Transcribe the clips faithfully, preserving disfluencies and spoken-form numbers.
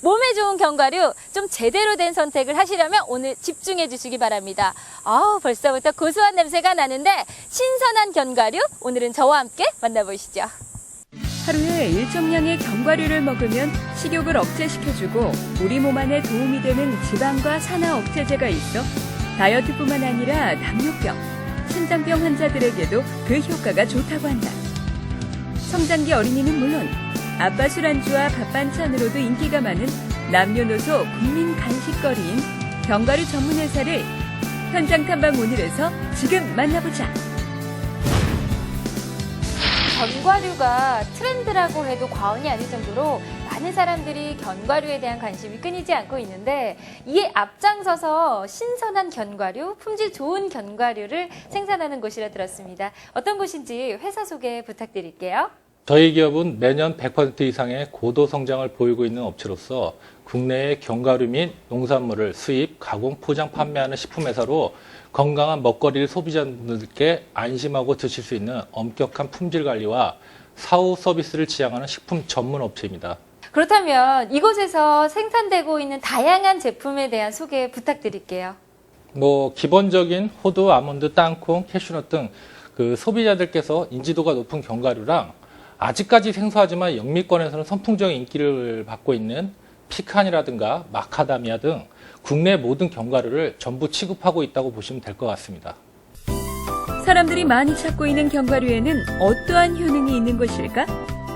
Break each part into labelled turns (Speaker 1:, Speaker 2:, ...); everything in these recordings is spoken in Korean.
Speaker 1: 몸에 좋은 견과류 좀 제대로 된 선택을 하시려면 오늘 집중해 주시기 바랍니다. 아, 벌써부터 고소한 냄새가 나는데 신선한 견과류 오늘은 저와 함께 만나보시죠.
Speaker 2: 하루에 일정량의 견과류를 먹으면 식욕을 억제시켜주고 우리 몸 안에 도움이 되는 지방과 산화 억제제가 있어 다이어트뿐만 아니라 당뇨병, 심장병 환자들에게도 그 효과가 좋다고 한다. 성장기 어린이는 물론 아빠 술안주와 밥 반찬으로도 인기가 많은 남녀노소 국민 간식거리인 견과류 전문 회사를 현장 탐방 오늘에서 지금 만나보자.
Speaker 1: 견과류가 트렌드라고 해도 과언이 아닐 정도로 많은 사람들이 견과류에 대한 관심이 끊이지 않고 있는데 이에 앞장서서 신선한 견과류, 품질 좋은 견과류를 생산하는 곳이라 들었습니다. 어떤 곳인지 회사 소개 부탁드릴게요.
Speaker 3: 저희 기업은 매년 백 퍼센트 이상의 고도 성장을 보이고 있는 업체로서 국내의 견과류 및 농산물을 수입, 가공, 포장, 판매하는 식품회사로 건강한 먹거리를 소비자분들께 안심하고 드실 수 있는 엄격한 품질 관리와 사후 서비스를 지향하는 식품 전문 업체입니다.
Speaker 1: 그렇다면 이곳에서 생산되고 있는 다양한 제품에 대한 소개 부탁드릴게요.
Speaker 3: 뭐 기본적인 호두, 아몬드, 땅콩, 캐슈넛 등 그 소비자들께서 인지도가 높은 견과류랑 아직까지 생소하지만 영미권에서는 선풍적인 인기를 받고 있는 피칸이라든가 마카다미아 등 국내 모든 견과류를 전부 취급하고 있다고 보시면 될 것 같습니다.
Speaker 2: 사람들이 많이 찾고 있는 견과류에는 어떠한 효능이 있는 것일까?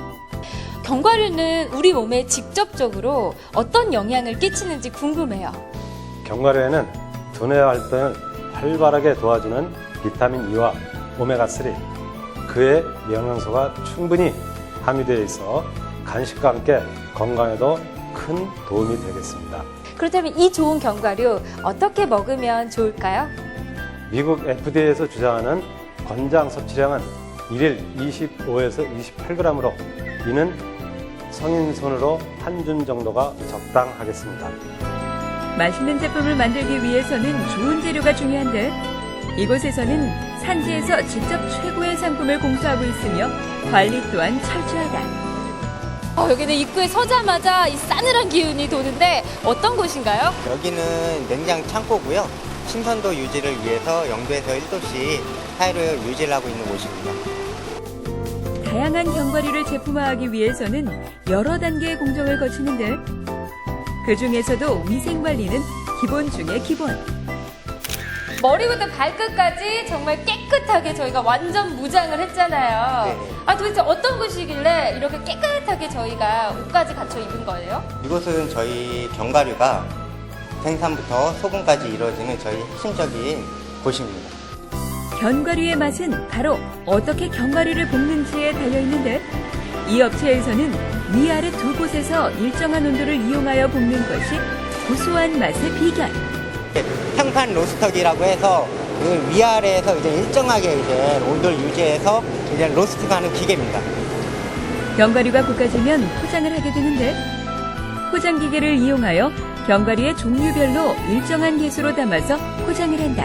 Speaker 1: 견과류는 우리 몸에 직접적으로 어떤 영향을 끼치는지 궁금해요.
Speaker 4: 견과류에는 두뇌 활동을 활발하게 도와주는 비타민 E와 오메가삼, 그의 영양소가 충분히 함유되어 있어 간식과 함께 건강에도 큰 도움이 되겠습니다.
Speaker 1: 그렇다면 이 좋은 견과류 어떻게 먹으면 좋을까요?
Speaker 4: 미국 에프디에이에서 주장하는 권장 섭취량은 일일 이십오에서 이십팔 그램으로 이는 성인 손으로 한 줌 정도가 적당하겠습니다.
Speaker 2: 맛있는 제품을 만들기 위해서는 좋은 재료가 중요한데 이곳에서는 산지에서 직접 최고의 상품을 공수하고 있으며 관리 또한 철저하다.
Speaker 1: 어, 여기는 입구에 서자마자 이 싸늘한 기운이 도는데 어떤 곳인가요?
Speaker 5: 여기는 냉장 창고고요. 신선도 유지를 위해서 영도에서 일 도씩 사이로 유지를 하고 있는 곳입니다.
Speaker 2: 다양한 견과류를 제품화하기 위해서는 여러 단계의 공정을 거치는데 그 중에서도 위생관리는 기본 중의 기본.
Speaker 1: 머리부터 발끝까지 정말 깨끗하게 저희가 완전 무장을 했잖아요.
Speaker 5: 네.
Speaker 1: 아, 도대체 어떤 곳이길래 이렇게 깨끗하게 저희가 옷까지 갖춰 입은 거예요?
Speaker 5: 이곳은 저희 견과류가 생산부터 소금까지 이루어지는 저희 핵심적인 곳입니다.
Speaker 2: 견과류의 맛은 바로 어떻게 견과류를 볶는지에 달려있는데 이 업체에서는 위아래 두 곳에서 일정한 온도를 이용하여 볶는 것이 고소한 맛의 비결.
Speaker 5: 평판 로스터기라고 해서 그 위아래에서 이제 일정하게 이제 온도를 유지해서 이제 로스트가 하는 기계입니다.
Speaker 2: 견과류가 볶아지면 포장을 하게 되는데 포장 기계를 이용하여 견과류의 종류별로 일정한 개수로 담아서 포장을 한다.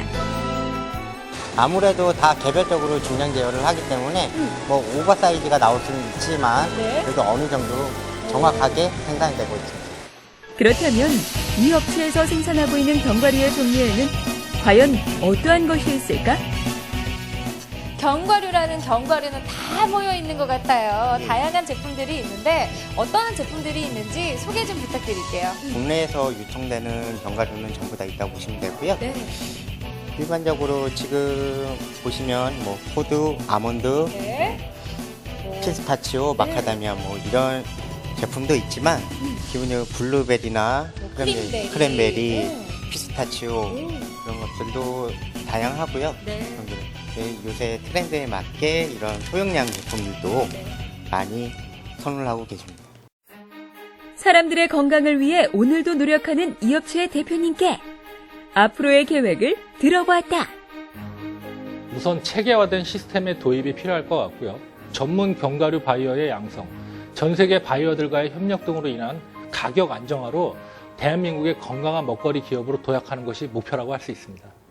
Speaker 5: 아무래도 다 개별적으로 중량 제어를 하기 때문에 뭐 오버사이즈가 나올 수는 있지만
Speaker 1: 네.
Speaker 5: 그래도 어느 정도 정확하게 생산이 되고 있습니다.
Speaker 2: 그렇다면 이 업체에서 생산하고 있는 견과류의 종류에는 과연 어떠한 것이 있을까?
Speaker 1: 견과류라는 견과류는 다 모여 있는 것 같아요.
Speaker 5: 네.
Speaker 1: 다양한 제품들이 있는데 어떤 제품들이 있는지 소개 좀 부탁드릴게요.
Speaker 5: 국내에서 유통되는 견과류는 전부 다 있다고 보시면 되고요.
Speaker 1: 네.
Speaker 5: 일반적으로 지금 보시면 뭐 호두, 아몬드,
Speaker 1: 네.
Speaker 5: 피스타치오, 마카다미아 뭐 이런 제품도 있지만 기본적으로 블루베리나
Speaker 1: 뭐
Speaker 5: 크랜베리,
Speaker 1: 크랜베리,
Speaker 5: 크랜베리
Speaker 1: 네.
Speaker 5: 피스타치오
Speaker 1: 음.
Speaker 5: 이런 것들도 다양하고요.
Speaker 1: 네.
Speaker 5: 네, 요새 트렌드에 맞게 이런 소형량 제품들도
Speaker 1: 네.
Speaker 5: 많이 선호를 하고 계십니다.
Speaker 2: 사람들의 건강을 위해 오늘도 노력하는 이 업체의 대표님께 앞으로의 계획을 들어보았다.
Speaker 3: 우선 체계화된 시스템의 도입이 필요할 것 같고요. 전문 견과류 바이어의 양성, 전 세계 바이어들과의 협력 등으로 인한 가격 안정화로 대한민국의 건강한 먹거리 기업으로 도약하는 것이 목표라고 할 수 있습니다.